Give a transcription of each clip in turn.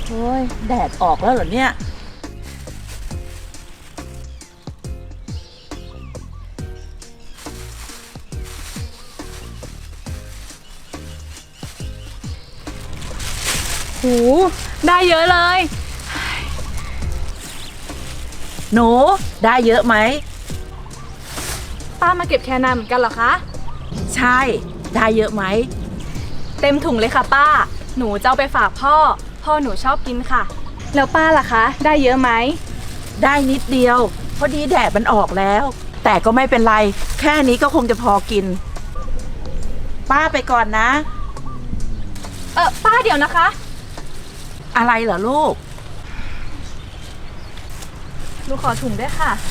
โอ้ยแดดออกแล้วเหรอเนี่ยหูได้เยอะเลยหนูได้เยอะไหมป้ามาเก็บแคนาเหมือนกันเหรอคะใช่ได้เยอะไหมเต็มถุงเลยค่ะป้าหนูจะเอาไปฝากพ่อหนูชอบกินค่ะแล้วป้าล่ะคะได้เยอะไหมได้นิดเดียวพอดีแดดมันออกแล้วแต่ก็ไม่เป็นไรแค่นี้ก็คงจะพอกินป้าไปก่อนนะป้าเดี๋ยวนะคะอะไรเหรอลูกหนูขอถุงด้วยค่ะ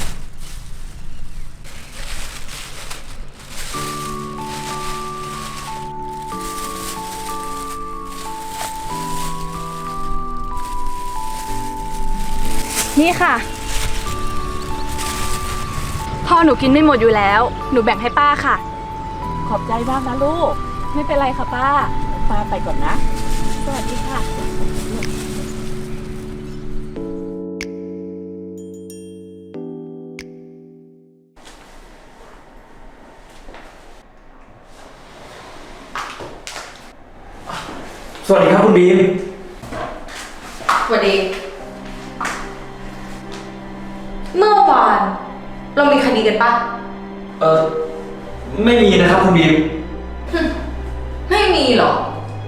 นี่ค่ะพ่อหนูกินไม่หมดอยู่แล้วหนูแบ่งให้ป้าค่ะขอบใจมากนะลูกไม่เป็นไรค่ะป้าป้าไปก่อนนะสวัสดีค่ะสวัสดีครับคุณบีมสวัสดีเมื่อวานเรามีคดีกันปะไม่มีนะครับคุณบีมไม่มีหรอ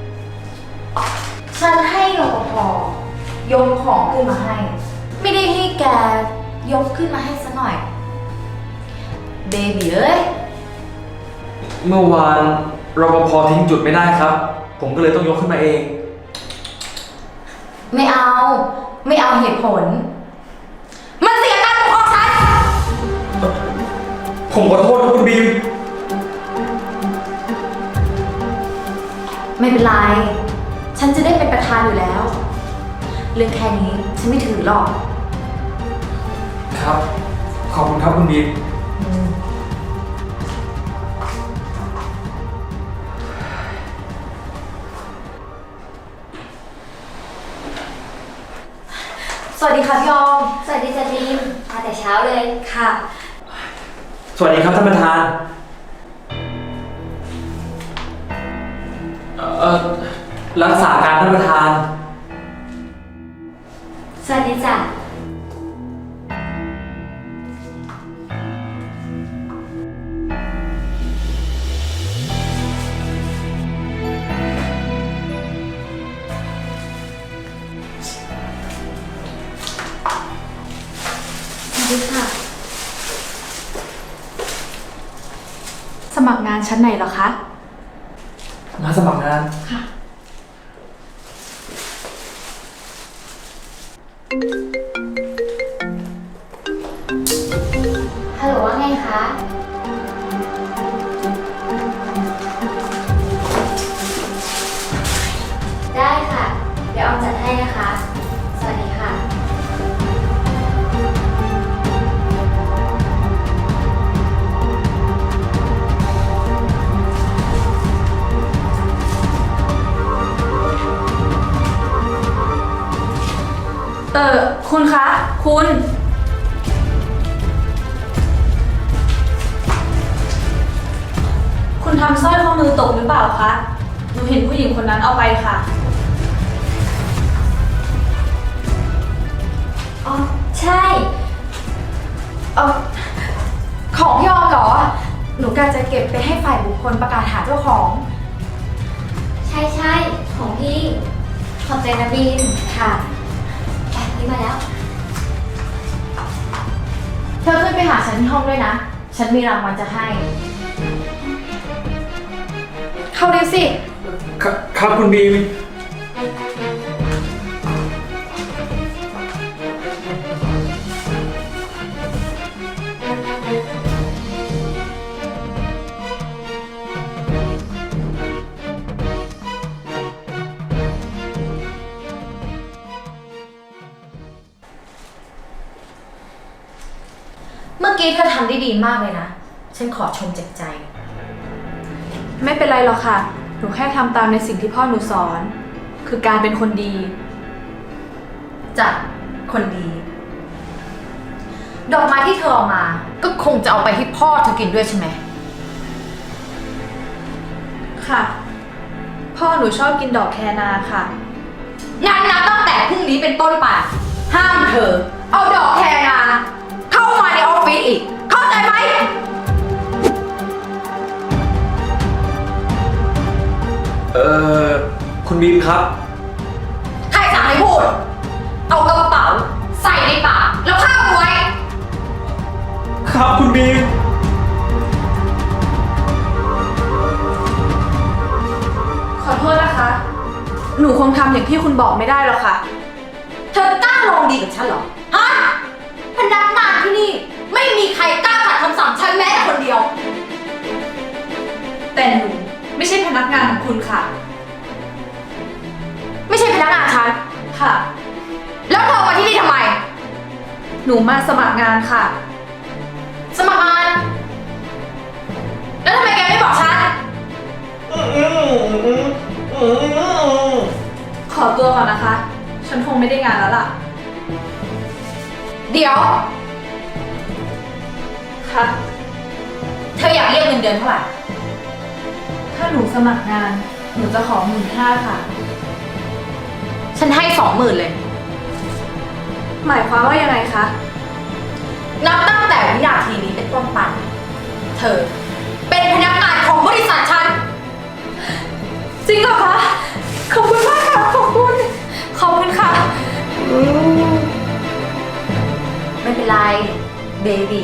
ฉันให้รปภยกของขึ้นมาให้ ไม่ได้ให้แกยกขึ้นมาให้ซะหน่อยเบบีเอ้ยเมื่อวานรปภทิ้งจุดไม่ได้ครับผมก็เลยต้องยกขึ้นมาเองไม่เอาเหตุผลมันเสียการปกครองฉันผมขอโทษครับคุณบีมไม่เป็นไรฉันจะได้เป็นประธานอยู่แล้วเรื่องแค่นี้ฉันไม่ถือหรอกครับขอบคุณครับคุณบีมสวัสดีค่ะพี่ออมสวัสดีจ้ะบีมมาแต่เช้าเลยค่ะสวัสดีครับท่านประธานรักษาการท่านประธานสวัสดีจ้ะสวัสดีค่ะสมัครงานชั้นไหนเหรอคะมาสมัครงานค่ะฮัลโหลว่าไงคะได้ค่ะเดี๋ยวออมจัดให้นะคะสวัสดีค่ะคุณคะคุณทำสร้อยข้อมือตกหรือเปล่าคะหนูเห็นผู้หญิงคนนั้นเอาไปค่ะอ๋อใช่ของพี่ออมเหรอหนูกะจะเก็บไปให้ฝ่ายบุคคลประกาศหาเจ้าของใช่ของพี่ขอบใจนะบีมค่ะนี่มาแล้วเธอขึ้นไปหาฉันที่ห้องด้วยนะฉันมีรางวัลจะให้เข้าเร็วสิครับคุณบีมเมื่อกี้เธอทำได้ดีมากเลยนะฉันขอชมจากใจไม่เป็นไรหรอกค่ะหนูแค่ทำตามในสิ่งที่พ่อหนูสอนคือการเป็นคนดีจ้ะคนดี ดอกไม้ที่เธอเอามา ก็คงจะเอาไปให้พ่อเธอกินด้วยใช่ไหมค่ะ พ่อหนูชอบกินดอกแคนาค่ะงั้นนับตั้งแต่พรุ่งนี้เป็นต้นไปห้ามเธอ เอาดอกแคนาเข้ามาในออฟฟิศอีก เข้าใจไหมคุณบีมครับใครสั่งให้พูด เอากระเป๋าใส่ในปากแล้วข้ามไว้ครับคุณบีมขอโทษนะคะ หนูคงทำอย่างที่คุณบอกไม่ได้หรอกค่ะเธอกล้าลองดีกับฉันเหรอ ฮะ พนักงานที่นี่ไม่มีใครกล้าขัดคำสั่งฉันแม้แต่คนเดียวแต่หนูไม่ใช่พนักงานของคุณค่ะไม่ใช่พนักงานฉันค่ะแล้วเธอมาที่นี่ทำไมหนูมาสมัครงานค่ะสมัครงาน แล้วทำไมแกไม่บอกฉันขอตัวก่อนนะคะ ฉันคงไม่ได้งานแล้วล่ะเดี๋ยวค่ะเธออยากเรียกเงินเดือนเท่าไหร่ถ้าหนูสมัครงาน หนูจะขอ15,000ค่ะฉันให้20,000เลยหมายความว่ายังไงคะนับตั้งแต่วินาทีนี้เป็นต้นไปเธอ เป็นพนักงานของบริษัทฉันจริงเหรอคะ ขอบคุณมากค่ะ ขอบคุณ ขอบคุณค่ะไม่เป็นไร เบบี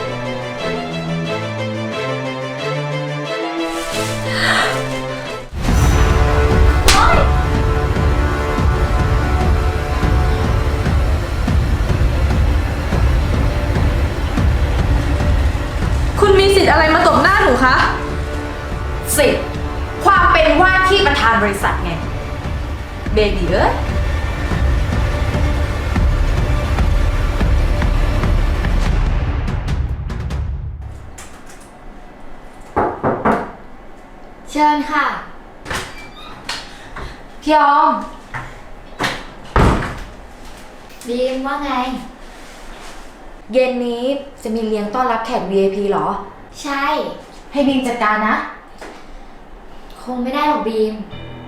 คุณมีสิทธิ์อะไรมาตบหน้าหนูคะสิความเป็นว่าที่ประธานบริษัทไง เบบีเอ้ยเชิญค่ะพี่ออมบีมว่าไงเย็นนี้จะมีเลี้ยงต้อนรับแขก VIP เหรอใช่ให้บีมจัดการนะคงไม่ได้หรอกบีม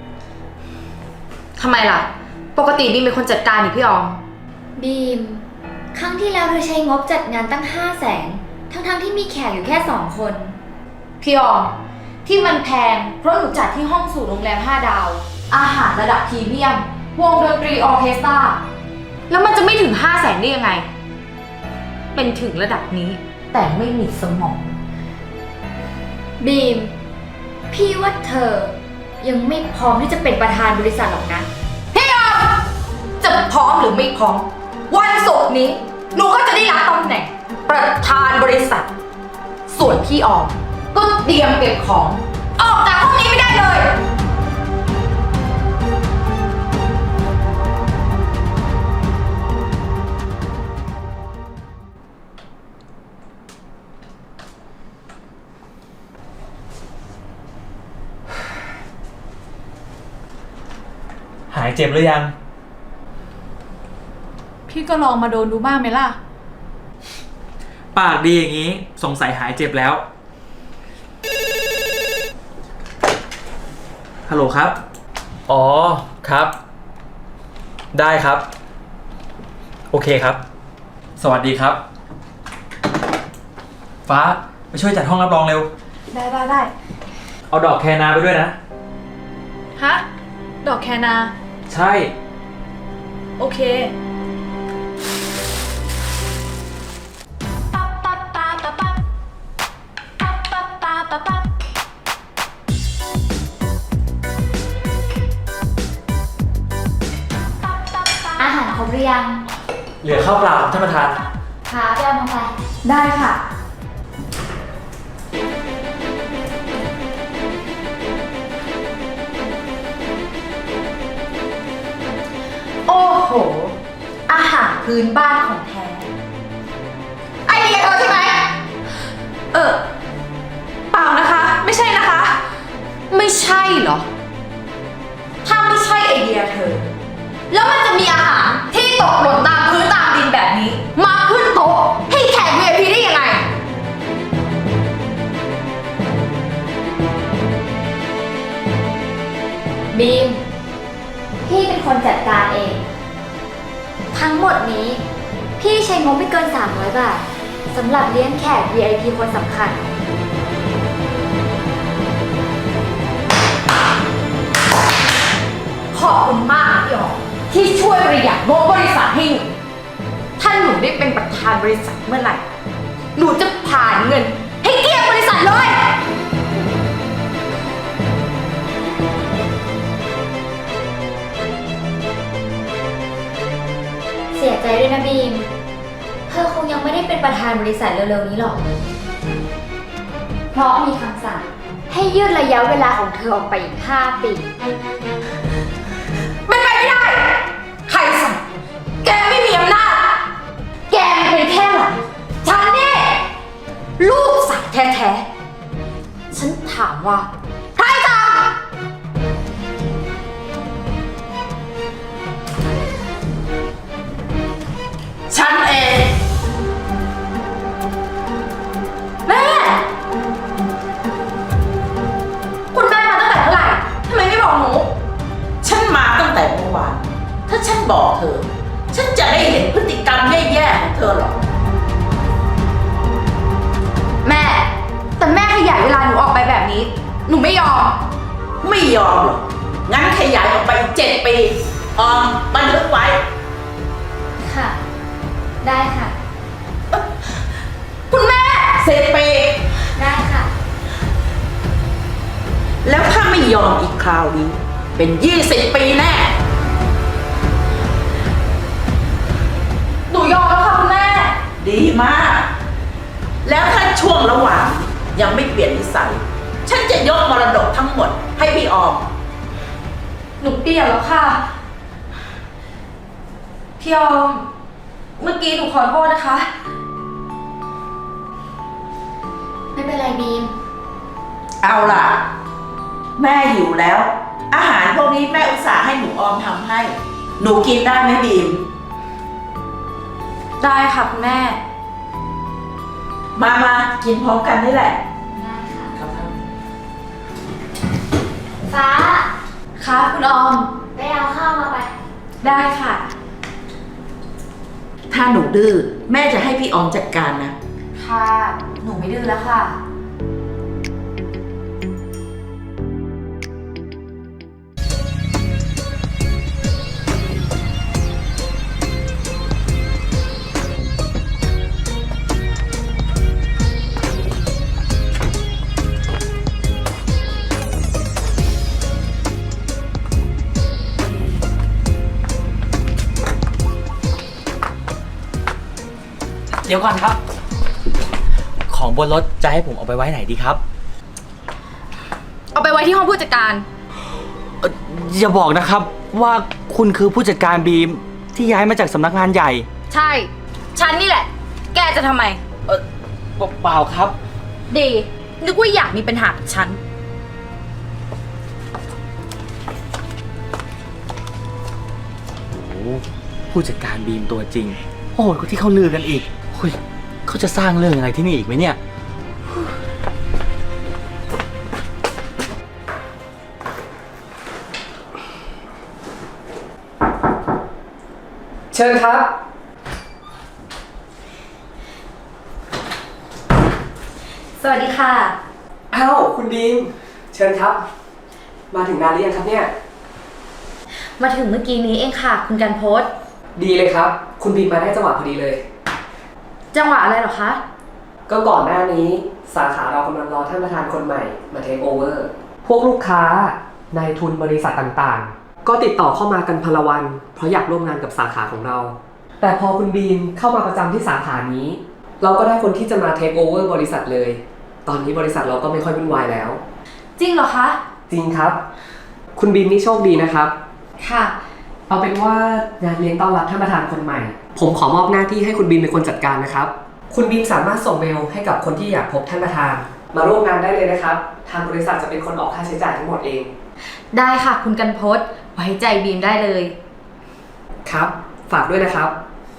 ทำไมล่ะ ปกติบีมเป็นคนจัดการนี่พี่ออมบีม ครั้งที่แล้วเธอใช้งบจัดงานตั้ง500,000ทั้งที่มีแขกอยู่แค่2 คนพี่ออม ที่มันแพงเพราะหนูจัดที่ห้องสูตรโรงแรม5 ดาว อาหารระดับพรีเมียม วงดนตรีออร์เคสตรา แล้วมันจะไม่ถึง500,000ได้ยังไง เป็นถึงระดับนี้ แต่ไม่มีสมองบีม พี่ว่าเธอยังไม่พร้อมที่จะเป็นประธานบริษัทหรอกนะพี่ออม จะพร้อมหรือไม่พร้อม วันศุกร์นี้ หนูก็จะได้รับตำแหน่ง ประธานบริษัท ส่วนพี่ออม ก็เตรียมเก็บของ ออกจากห้องนี้ไม่ได้เลยหายเจ็บหรือยังพี่ก็ลองมาโดนดูบ้างไหมล่ะปากดีอย่างนี้สงสัยหายเจ็บแล้ว ฮัลโหลครับ อ๋อ ครับ ได้ครับ โอเคครับ สวัสดีครับ ฟ้าไปช่วยจัดห้องรับรองเร็วได้เอาดอกแคนาไปด้วยนะฮะ ดอกแคนาใช่โอเคอาหารครบหรือยังเหลือข้าวเปล่าครับท่านประธานค่ะไปเอามาไปได้ค่ะโอ้โห อาหารพื้นบ้านของแท้ ไอเดียเธอใช่ไหมเปล่านะคะ ไม่ใช่นะคะไม่ใช่เหรอ ถ้าไม่ใช่ไอเดียเธอ แล้วมันจะมีอาหารที่ตกคนจัดการเอง ทั้งหมดนี้ พี่ใช้งบไม่เกิน 300 บาทสำหรับเลี้ยงแขก VIP คนสำคัญขอบคุณมากพี่อ๋อที่ช่วยประหยัดงบบริษัทให้หนูถ้าหนูได้เป็นประธานบริษัทเมื่อไหร่ หนูจะผ่านเงิน ให้เกลี้ยงบริษัทเลยเสียใจด้วยนะบีม เธอคงยังไม่ได้เป็นประธานบริษัทเร็วๆนี้หรอก เพราะมีคำสั่งให้ยืดระยะเวลาของเธอออกไปอีก 5 ปีเป็นไปไม่ได้ ใครสั่งแกไม่มีอำนาจ แกมันเป็นแค่หลานฉันนี่ลูกสาวแท้ๆ ฉันถามว่า ใครสั่งฉันเองแม่ คุณแม่มาตั้งแต่เมื่อไหร่ ทำไมไม่บอกหนูฉันมาตั้งแต่เมื่อวาน ถ้าฉันบอกเธอ ฉันจะได้เห็นพฤติกรรมแย่ๆของเธอหรอกแม่ แต่แม่ขยายเวลาหนูออกไปแบบนี้ หนูไม่ยอมไม่ยอมหรอก งั้นขยายออกไป7 ปี ออมบันทึกไว้ค่ะ ได้ค่ะคุณแม่ 10 ปีได้ค่ะแล้วถ้าไม่ยอมอีกคราวนี้ เป็น20 ปีแน่หนูยอมแล้วค่ะคุณแม่ดีมาก แล้วถ้าช่วงระหว่างยังไม่เปลี่ยนนิสัย ฉันจะยกมรดกทั้งหมดให้พี่ออมหนูเปลี่ยนแล้วค่ะ พี่ออม เมื่อกี้หนูขอโทษนะคะไม่เป็นไรบีมเอาล่ะ แม่หิวแล้ว อาหารพวกนี้แม่อุตส่าห์ให้หนูออมทำให้ หนูกินได้ไหมบีมได้ค่ะคุณแม่มากินพร้อมกันนี่แหละได้ค่ะครับฟ้าค่ะคุณออมไปเอาข้าวมาไปได้ค่ะถ้าหนูดื้อแม่จะให้พี่ออมจัดการนะค่ะ หนูไม่ดื้อแล้วค่ะเดี๋ยวก่อนครับ ของบนรถจะให้ผมเอาไปไว้ไหนดีครับเอาไปไว้ที่ห้องผู้จัดการอย่าบอกนะครับว่าคุณคือผู้จัดการบีมที่ย้ายมาจากสำนักงานใหญ่ใช่ ฉันนี่แหละ แกจะทำไมเปล่าครับดี นึกว่าอยากมีปัญหากับฉันโอ้ผู้จัดการบีมตัวจริงโหดกว่าที่เขาลือกันอีกเฮ้ยเขาจะสร้างเรื่องอะไรที่นี่อีกไหมเนี่ยเชิญครับสวัสดีค่ะอ้าวคุณบีม เชิญครับ มาถึงนานหรือยังครับเนี่ยมาถึงเมื่อกี้นี้เองค่ะ คุณกันโพสต์ดีเลยครับ คุณบีมมาได้จังหวะพอดีเลยจังหวะอะไรเหรอคะก็ก่อนหน้านี้สาขาเรากำลังรอท่านประธานคนใหม่มาเทคโอเวอร์ พวกลูกค้านายทุนบริษัทต่างๆ ก็ติดต่อเข้ามากันพลวัน เพราะอยากร่วมงานกับสาขาของเรา แต่พอคุณบีมเข้ามาประจำที่สาขานี้ เราก็ได้คนที่จะมาเทคโอเวอร์บริษัทเลย ตอนนี้บริษัทเราก็ไม่ค่อยวุ่นวายแล้วจริงเหรอคะจริงครับ คุณบีมนี่โชคดีนะครับค่ะเอาเป็นว่างานเลี้ยงต้อนรับท่านประธานคนใหม่ ผมขอมอบหน้าที่ให้คุณบีมเป็นคนจัดการนะครับ คุณบีมสามารถส่งเมลให้กับคนที่อยากพบท่านประธาน มาร่วมงานได้เลยนะครับ ทางบริษัทจะเป็นคนออกค่าใช้จ่ายทั้งหมดเองได้ค่ะ คุณกันโพสต์ไว้ใจบีมได้เลยครับ ฝากด้วยนะครับ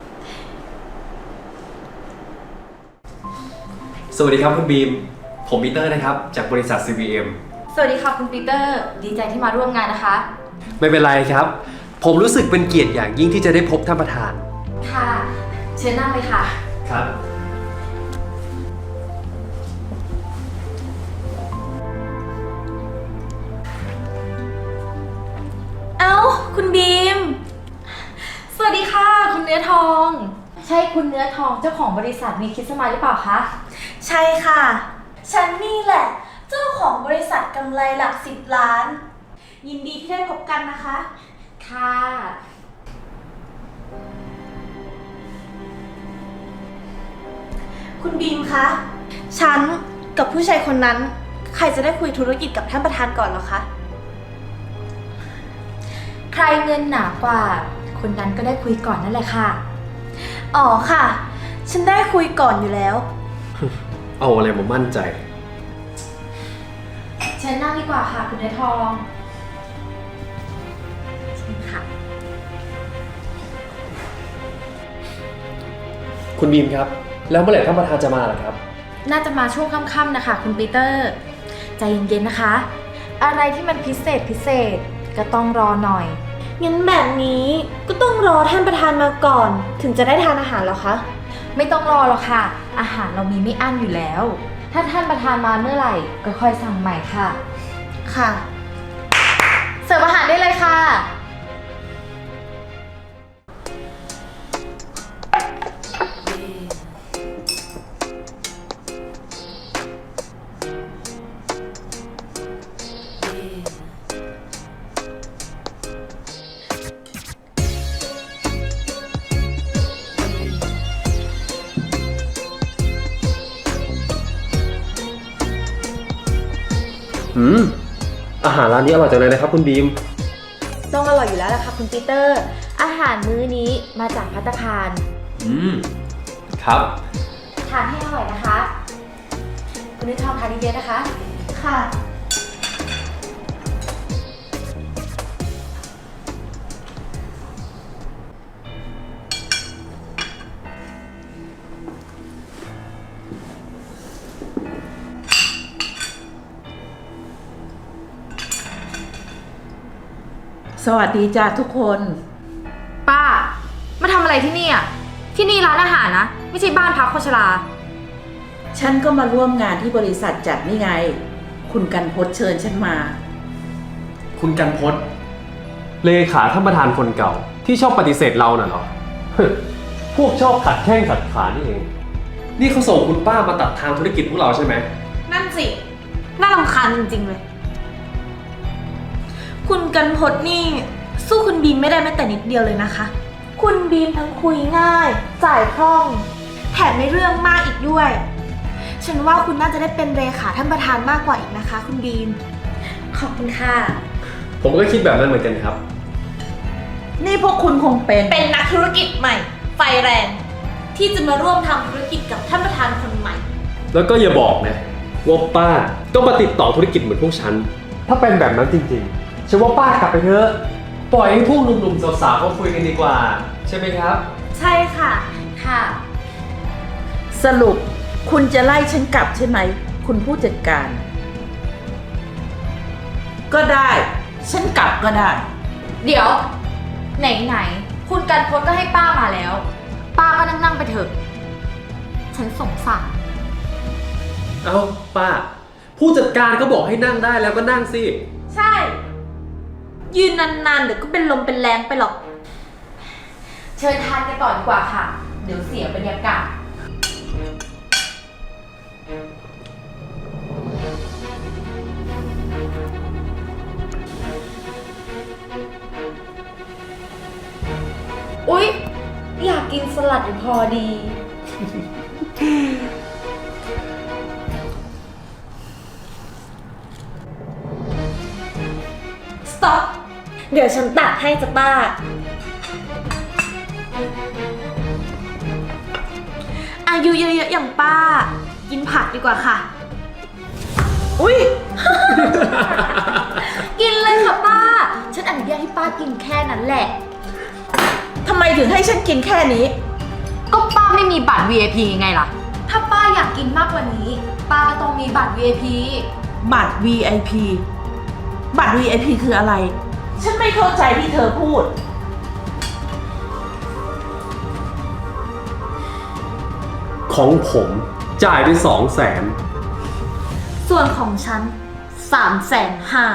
สวัสดีครับคุณบีม ผมปีเตอร์นะครับ จากบริษัท CVM สวัสดีค่ะคุณปีเตอร์ ดีใจที่มาร่วมงานนะคะไม่เป็นไรครับผมรู้สึกเป็นเกียรติอย่างยิ่งที่จะได้พบท่านประธานค่ะ เชิญนั่งเลยค่ะครับเอ้า คุณบีม สวัสดีค่ะ คุณเนื้อทองใช่คุณเนื้อทองเจ้าของบริษัทวีคิดสมายหรือเปล่าคะใช่ค่ะ ฉันนี่แหละ เจ้าของบริษัทกำไรหลัก10 ล้าน ยินดีที่ได้พบกันนะคะค่ะคุณบีมคะ ฉันกับผู้ชายคนนั้น ใครจะได้คุยธุรกิจกับท่านประธานก่อนเหรอคะใครเงินหนากว่า คนนั้นก็ได้คุยก่อนนั่นแหละค่ะอ๋อค่ะ ฉันได้คุยก่อนอยู่แล้วเอาอะไรมามั่นใจเชิญนั่งดีกว่าค่ะ คุณเนื้อทองเชิญค่ะคุณบีมครับ แล้วเมื่อไหร่ท่านประธานจะมาล่ะครับน่าจะมาช่วงค่ำๆนะคะ คุณปีเตอร์ ใจเย็นๆนะคะ อะไรที่มันพิเศษก็ต้องรอหน่อยงั้นแบบนี้ก็ต้องรอท่านประธานมาก่อน ถึงจะได้ทานอาหารเหรอคะไม่ต้องรอหรอกค่ะ อาหารเรามีไม่อั้นอยู่แล้ว ถ้าท่านประธานมาเมื่อไหร่ก็ค่อยสั่งใหม่ค่ะค่ะเสิร์ฟอาหารได้เลยค่ะอาหารร้านนี้อร่อยจังเลยนะครับคุณบีมต้องอร่อยอยู่แล้วล่ะค่ะคุณปีเตอร์ อาหารมื้อนี้มาจากภัตตาคารครับทานให้อร่อยนะคะ คุณนึกทองทานเยอะๆนะคะค่ะสวัสดีจ้าทุกคนป้า มาทำอะไรที่นี่อ่ะ ที่นี่ร้านอาหารนะ ไม่ใช่บ้านพักคนชราฉันก็มาร่วมงานที่บริษัทจัดนี่ไง คุณกันพจน์เชิญฉันมาคุณกันพจน์เลขาท่านประธานคนเก่า ที่ชอบปฏิเสธเราน่ะเหรอ พวกชอบขัดแข้งขัดขานี่เอง นี่เขาส่งคุณป้ามาตัดทางธุรกิจพวกเราใช่ไหมนั่นสิ น่ารำคาญจริงๆเลย คุณกันพจน์นี่ สู้คุณบีมไม่ได้แม้แต่นิดเดียวเลยนะคะ คุณบีมทั้งคุยง่าย จ่ายคล่อง แถมในเรื่องมากอีกด้วย ฉันว่าคุณน่าจะได้เป็นเลขาท่านประธานมากกว่าอีกนะคะ คุณบีม ขอบคุณค่ะผมก็คิดแบบนั้นเหมือนกันครับนี่พวกคุณคงเป็นเป็นนักธุรกิจใหม่ ไฟแรง ที่จะมาร่วมทำธุรกิจกับท่านประธานคนใหม่แล้วก็อย่าบอกนะว่าป้าต้องมาติดต่อธุรกิจเหมือนพวกฉัน ถ้าเป็นแบบนั้นจริงๆฉันว่าป้ากลับไปเถอะ ปล่อยให้พวกหนุ่มๆสาวๆเขาคุยกันดีกว่า ใช่ไหมครับใช่ค่ะค่ะสรุปคุณจะไล่ฉันกลับใช่ไหม คุณผู้จัดการ ก็ได้ ฉันกลับก็ได้เดี๋ยว ไหนๆคุณกันพจน์ก็ให้ป้ามาแล้ว ป้าก็นั่งๆไปเถอะ ฉันสงสารเอาป้า ผู้จัดการก็บอกให้นั่งได้แล้วก็นั่งสิใช่ ยืนนานๆเดี๋ยวก็เป็นลมเป็นแรงไปหรอกเชิญทานกันต่อดีกว่าค่ะ เดี๋ยวเสียบรรยากาศอุ๊ย อยากกินสลัดอยู่พอดี stop เดี๋ยวฉันตัดให้จ้ะป้า อายุเยอะๆอย่างป้า กินผักดีกว่าค่ะอุ๊ยกินเลยค่ะป้า ฉันอนุญาตให้ป้ากินแค่นั้นแหละทำไมถึงให้ฉันกินแค่นี้ก็ป้าไม่มีบัตร VIP ไงล่ะ ถ้าป้าอยากกินมากกว่านี้ ป้าก็ต้องมีบัตร VIP บัตร VIP บัตร VIP คืออะไร ฉันไม่เข้าใจที่เธอพูดของผมจ่ายไป200,000 ส่วนของฉัน350,000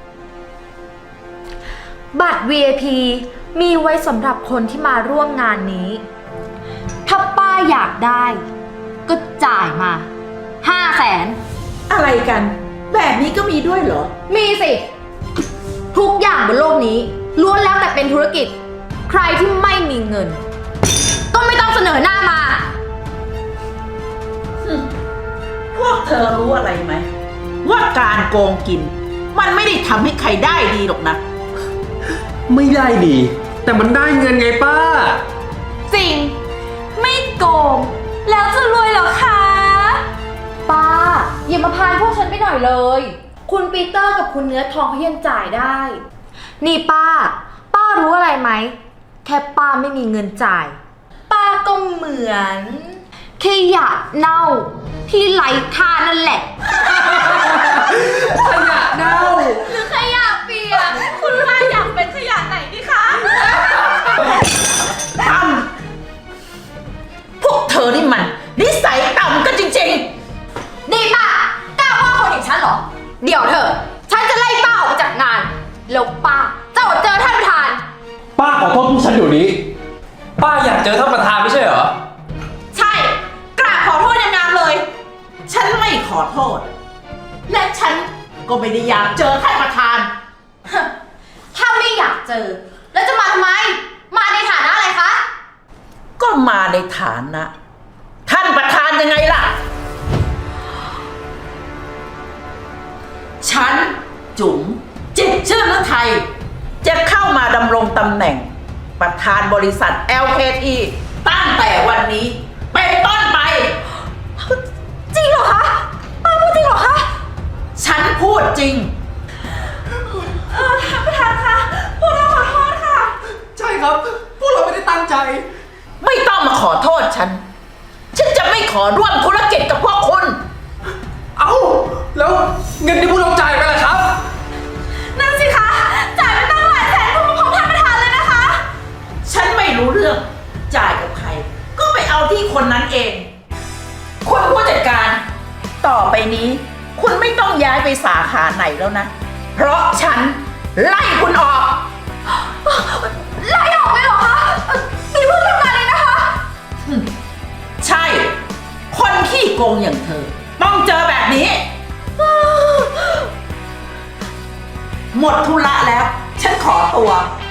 บัตร VIP มีไว้สำหรับคนที่มาร่วมงานนี้ ถ้าป้าอยากได้ ก็จ่ายมา500,000 อะไรกัน แบบนี้ก็มีด้วยเหรอมีสิ ทุกอย่างบนโลกนี้ล้วนแล้วแต่เป็นธุรกิจ ใครที่ไม่มีเงิน ก็ไม่ต้องเสนอหน้ามาพวกเธอรู้อะไรไหม ว่าการโกงกิน มันไม่ได้ทำให้ใครได้ดีหรอกนะไม่ได้ดี แต่มันได้เงินไงป้าจริง ไม่โกง แล้วจะรวยเหรอคะป้าอย่ามาพานพวกฉันไปหน่อยเลย คุณปีเตอร์กับคุณเนื้อทองเขายังจ่ายได้นี่ป้ารู้อะไรไหม แค่ป้าไม่มีเงินจ่าย ป้าก็เหมือนขยะเน่าที่ไร้ค่านั่นแหละขยะเน่าหรือขยะเปียก คุณป้าอยากเป็นขยะไหนดีคะต่ำพวกเธอนี่มันนิสัยต่ำกันจริงๆนี่ป้ากล้าว่าคนอย่างฉันเหรอ เดี๋ยวเถอะ ฉันจะไล่ป้าออกไปจากงาน แล้วป้าจะอดเจอท่านประธานป้าขอโทษพวกฉันเดี๋ยวนี้ป้าอยากเจอท่านประธานไม่ใช่เหรอใช่ กราบขอโทษในงานเลย ฉันไม่ขอโทษ และฉันก็ไม่ได้อยากเจอท่านประธานถ้าไม่อยากเจอ แล้วจะมาทำไม มาในฐานะอะไรคะก็มาในฐานะ ท่านประธานยังไงล่ะ ฉันจุ๋มจิตรชื่นฤทัยจะเข้ามาดำรงตำแหน่ง ประธานบริษัท LKT ตั้งแต่วันนี้เป็นต้นไปจริงเหรอคะ ป้าพูดจริงเหรอคะฉันพูดจริงท่านประธานคะ พวกเราขอโทษค่ะใช่ครับ พวกเราไม่ได้ตั้งใจไม่ต้องมาขอโทษฉัน ฉันจะไม่ขอร่วมธุรกิจกับพวกคุณเอ้า แล้วเงินที่พวกเราจ่ายไปล่ะครับนั่นสิคะ จ่ายไปตั้งหลายแสนพวกของท่านประธานเลยนะคะฉันไม่รู้เรื่อง จ่ายกับใคร ก็ไปเอาที่คนนั้นเอง คุณผู้จัดการ ต่อไปนี้ คุณไม่ต้องย้ายไปสาขาไหนแล้วนะ เพราะฉันไล่คุณออกไล่ออกเลยเหรอคะมีเพื่อนทำงานเลยนะคะใช่ คนขี้โกงอย่างเธอ ต้องเจอแบบนี้ หมดธุระแล้ว ฉันขอตัว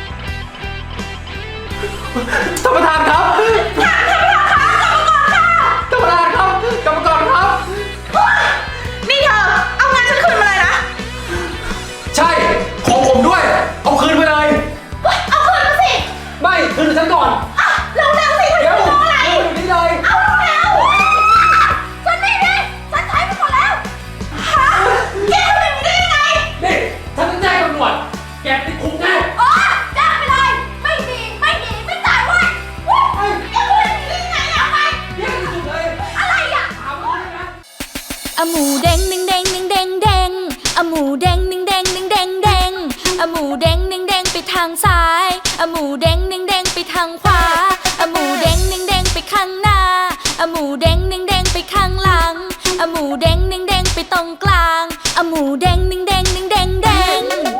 ท่านประธานครับ ท่านประธานครับ กรรมการครับนี่เธอ เอางานฉันคืนมาเลยนะใช่ ของผมด้วย เอาคืนไปเลยเอาคืนมาสิไม่คืนฉันก่อนเร็วๆสิเดี๋ยวอยู่นี่เลยเอาเร็วๆฉันไม่ได้ฉันใช้ไปหมดแล้วฮะแกทำแบบนี้ได้ยังไงนี่ฉันจะแจ้งตำรวจ แกติดคุกแน่อ๋อจ้างไปเลย ไม่ดี ไม่จ่ายเว้ยเว้ยแกพูดอย่างนี้ได้ยังไงอะไปเรียกที่สุดเลยอะไรอะถามว่าเลยนะอะหมูเด้งหนึ่งเด้งหนึ่งเด้งเด้งอะหมูเด้งหนึ่งเด้งหนึ่งเด้งเด้งอะหมูเด้งหนึ่งเด้งไปทางซ้ายอะหมูเด้งหนึ่งเด้งไปทางขวาอะหมูเด้งหนึ่งเด้งไปข้างหน้าอะหมูเด้งหนึ่งเด้งไปข้างหลังอะหมูเด้งหนึ่งเด้งไปตรงกล